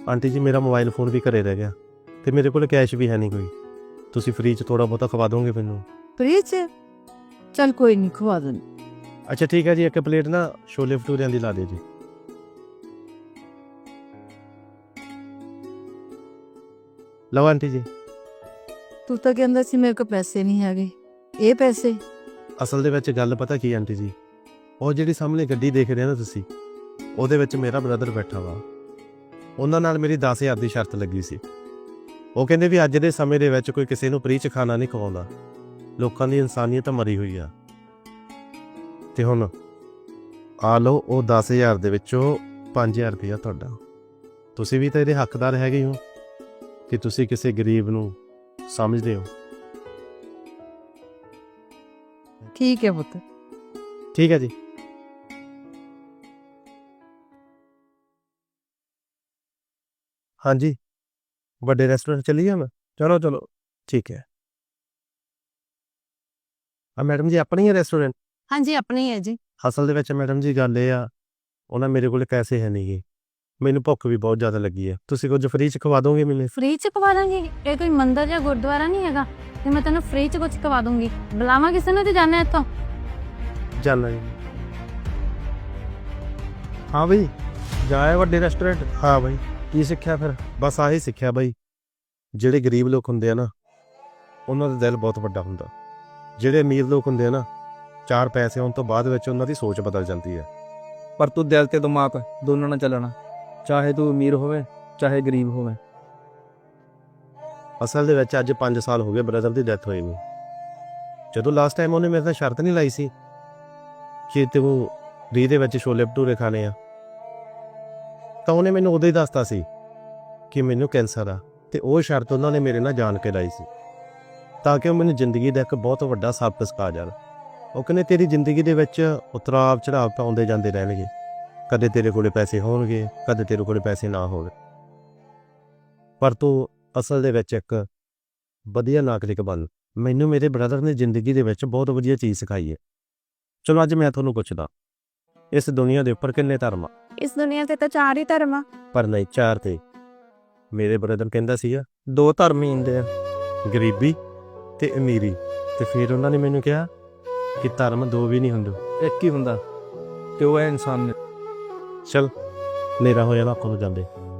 Aunty ਜੀ ਮੇਰਾ mobile phone ਵੀ ਘਰੇ ਰਹਿ ਗਿਆ ਤੇ ਮੇਰੇ ਕੋਲ ਕੈਸ਼ ਵੀ ਹੈ ਨਹੀਂ ਕੋਈ। ਤੁਸੀਂ ਫ੍ਰੀ 'ਚ ਥੋੜਾ ਬਹੁਤਾ ਖਵਾ ਦੋਗੇ ਮੈਨੂੰ? ਫ੍ਰੀ ਚ ਚੱਲ ਕੋਈ ਨਹੀਂ, ਖਵਾ ਦੇਣ। ਅੱਛਾ ਠੀਕ ਹੈ ਜੀ, ਇੱਕ ਪਲੇਟ ਨਾ ਛੋਲੇ ਭਟੂਰਿਆਂ ਦੀ ਲਾ ਦਿਓ ਜੀ। ਲਓ ਆਂਟੀ ਜੀ। ਤੂੰ ਤਾਂ ਕਹਿੰਦਾ ਸੀ ਮੇਰੇ ਕੋਲ ਪੈਸੇ ਨਹੀਂ ਹੈਗੇ, ਇਹ ਪੈਸੇ? ਅਸਲ ਦੇ ਵਿੱਚ ਗੱਲ ਪਤਾ ਕੀ ਆਂਟੀ ਜੀ, ਉਹ ਜਿਹੜੀ ਸਾਹਮਣੇ ਗੱਡੀ ਦੇਖ ਰਹੇ ਨਾ ਤੁਸੀਂ, ਉਹਦੇ ਵਿੱਚ ਮੇਰਾ ਬ੍ਰਦਰ ਬੈਠਾ ਵਾ। ਉਹਨਾਂ ਨਾਲ ਮੇਰੀ 10,000 ਦੀ ਸ਼ਰਤ ਲੱਗੀ ਸੀ। ਉਹ ਕਹਿੰਦੇ ਵੀ ਅੱਜ ਦੇ ਸਮੇਂ ਦੇ ਵਿੱਚ ਕੋਈ ਕਿਸੇ ਨੂੰ ਫ੍ਰੀ 'ਚ ਖਾਣਾ ਨਹੀਂ ਖਵਾਉਂਦਾ, ਲੋਕਾਂ ਦੀ ਇਨਸਾਨੀਅਤ ਮਰੀ ਹੋਈ ਆ। ਤੇ ਹੁਣ ਆ ਲਓ, ਉਹ 10,000 ਦੇ ਵਿੱਚੋਂ 5,000 ਰੁਪਇਆ ਤੁਹਾਡਾ। ਤੁਸੀਂ ਵੀ ਤਾਂ ਇਹਦੇ ਹੱਕਦਾਰ ਹੈਗੇ ਹੋ ਕਿ ਤੁਸੀਂ ਕਿਸੇ ਗਰੀਬ ਨੂੰ ਸਮਝਦੇ ਹੋ। ਠੀਕ ਹੈ ਪੁੱਤ। ਠੀਕ ਹੈ ਜੀ। ਹਾਂਜੀ, ਵੱਡੇ ਰੈਸਟੋਰੈਂਟ ਚੱਲੀਏ ਮੈਂ? ਚਲੋ ਚਲੋ ਠੀਕ ਹੈ। ਮੈਡਮ ਜੀ ਆਪਣੀ ਹੈ ਰੈਸਟੋਰੈਂਟ? ਹਾਂਜੀ ਆਪਣੀ ਹੈ ਜੀ। ਅਸਲ ਦੇ ਵਿੱਚ ਮੈਡਮ ਜੀ ਗੱਲ ਇਹ ਆ, ਉਹਨਾਂ ਮੇਰੇ ਕੋਲ ਪੈਸੇ ਹੈ ਨਹੀਂ ਗੇ, ਮੈਨੂੰ ਭੁੱਖ ਵੀ ਬਹੁਤ ਜ਼ਿਆਦਾ ਲੱਗੀ ਹੈ। ਤੁਸੀਂ ਕੁਝ ਫ੍ਰੀ 'ਚ ਖਵਾ ਦੋਗੇ ਮੈਨੂੰ? ਫ੍ਰੀ ਚ ਖਵਾ ਦਾਂਗੀ? ਇਹ ਕੋਈ ਮੰਦਰ ਜਾਂ ਗੁਰਦੁਆਰਾ ਨਹੀਂ ਹੈਗਾ ਤੇ ਮੈਂ ਤੈਨੂੰ ਫ੍ਰੀ ਚ ਕੁਝ ਖਵਾ ਦੂੰਗੀ। ਬੁਲਾਵਾਂ ਕਿਸੇ ਨੂੰ ਤੇ ਜਾਣਾ ਇੱਥੋਂ? ਜਾਨਾ ਜੀ। ਹਾਂ ਬਈ, ਜਾਏ ਵੱਡੇ ਰੈਸਟੋਰੈਂਟ। ਹਾਂ ਬਈ, ਕੀ ਸਿੱਖਿਆ ਫਿਰ? ਬਸ ਆਹੀ ਸਿੱਖਿਆ ਬਈ, ਜਿਹੜੇ ਗਰੀਬ ਲੋਕ ਹੁੰਦੇ ਆ ਨਾ, ਉਹਨਾਂ ਦਾ ਦਿਲ ਬਹੁਤ ਵੱਡਾ ਹੁੰਦਾ। ਜਿਹੜੇ ਅਮੀਰ ਲੋਕ ਹੁੰਦੇ ਆ ਨਾ, 4 ਪੈਸੇ ਆਉਣ ਤੋਂ ਬਾਅਦ ਵਿੱਚ ਉਹਨਾਂ ਦੀ ਸੋਚ ਬਦਲ ਜਾਂਦੀ ਹੈ। ਪਰ ਤੂੰ ਦਿਲ ਤੇ ਦਿਮਾਗ ਦੋਨਾਂ ਨਾਲ ਚੱਲਣਾ, ਚਾਹੇ ਤੂੰ ਅਮੀਰ ਹੋਵੇ ਚਾਹੇ ਗਰੀਬ ਹੋਵੇ। ਅਸਲ ਦੇ ਵਿੱਚ ਅੱਜ 5 ਸਾਲ ਹੋ ਗਏ ਬ੍ਰਦਰ ਦੀ ਡੈਥ ਹੋਈ ਨੂੰ। ਜਦੋਂ ਲਾਸਟ ਟਾਈਮ ਉਹਨੇ ਮੇਰੇ ਨਾਲ ਸ਼ਰਤ ਨਹੀਂ ਲਾਈ ਸੀ ਕਿ ਤੂੰ ਫ੍ਰੀ ਦੇ ਵਿੱਚ ਛੋਲੇ ਭਟੂਰੇ ਖਾਣੇ ਆ, ਤਾਂ ਉਹਨੇ ਮੈਨੂੰ ਉਦੋਂ ਹੀ ਦੱਸਤਾ ਸੀ ਕਿ ਮੈਨੂੰ ਕੈਂਸਰ ਆ। ਤੇ ਉਹ ਸ਼ਰਤ ਉਹਨਾਂ ਨੇ ਮੇਰੇ ਨਾਲ ਜਾਣ ਕੇ ਲਾਈ ਸੀ ਤਾਂ ਕਿ ਉਹ ਮੈਨੂੰ ਜ਼ਿੰਦਗੀ ਦਾ ਇੱਕ ਬਹੁਤ ਵੱਡਾ ਸਬਕ ਸਿਖਾ ਜਾਣ। ਉਹ ਕਹਿੰਦੇ ਤੇਰੀ ਜ਼ਿੰਦਗੀ ਦੇ ਵਿੱਚ ਉਤਰਾਅ ਚੜਾਅ ਤਾਂ ਆਉਂਦੇ ਜਾਂਦੇ ਰਹਿਣਗੇ, ਕਦੇ ਤੇਰੇ ਕੋਲੇ ਪੈਸੇ ਹੋਣਗੇ, ਕਦੇ ਤੇਰੇ ਕੋਲੇ ਪੈਸੇ ਨਾ ਹੋਣ, ਪਰ ਤੂੰ ਅਸਲ ਦੇ ਵਿੱਚ ਇੱਕ ਵਧੀਆ ਨਾਗਰਿਕ ਬਣ। ਮੈਨੂੰ ਮੇਰੇ ਬ੍ਰਦਰ ਨੇ ਜ਼ਿੰਦਗੀ ਦੇ ਵਿੱਚ ਬਹੁਤ ਵਧੀਆ ਚੀਜ਼ ਸਿਖਾਈ ਹੈ। ਚਲੋ ਅੱਜ ਮੈਂ ਤੁਹਾਨੂੰ ਪੁੱਛਦਾ, ਇਸ ਦੁਨੀਆ ਦੇ ਉੱਪਰ ਕਿੰਨੇ ਧਰਮ ਆ? ਇਸ ਦੁਨੀਆ ਤੇ ਤਾਂ 4 ਹੀ ਧਰਮ ਆ। ਪਰ ਨਹੀਂ, 4 ਤੇ। ਮੇਰੇ ਬ੍ਰਦਰ ਕਹਿੰਦਾ ਸੀਗਾ 2 ਧਰਮ ਹੀ ਹੁੰਦੇ ਆ, ਗਰੀਬੀ ਤੇ ਅਮੀਰੀ। ਤੇ ਫਿਰ ਉਹਨਾਂ ਨੇ ਮੈਨੂੰ ਕਿਹਾ ਕਿ ਧਰਮ 2 ਵੀ ਨਹੀਂ ਹੁੰਦੇ, ਇੱਕ ਹੀ ਹੁੰਦਾ ਤੇ ਉਹ ਹੈ ਇਨਸਾਨ। ਚਲ ਹਨੇਰਾ ਹੋ ਜਾਣਾ, ਆਪਾਂ ਨੂੰ ਜਾਂਦੇ।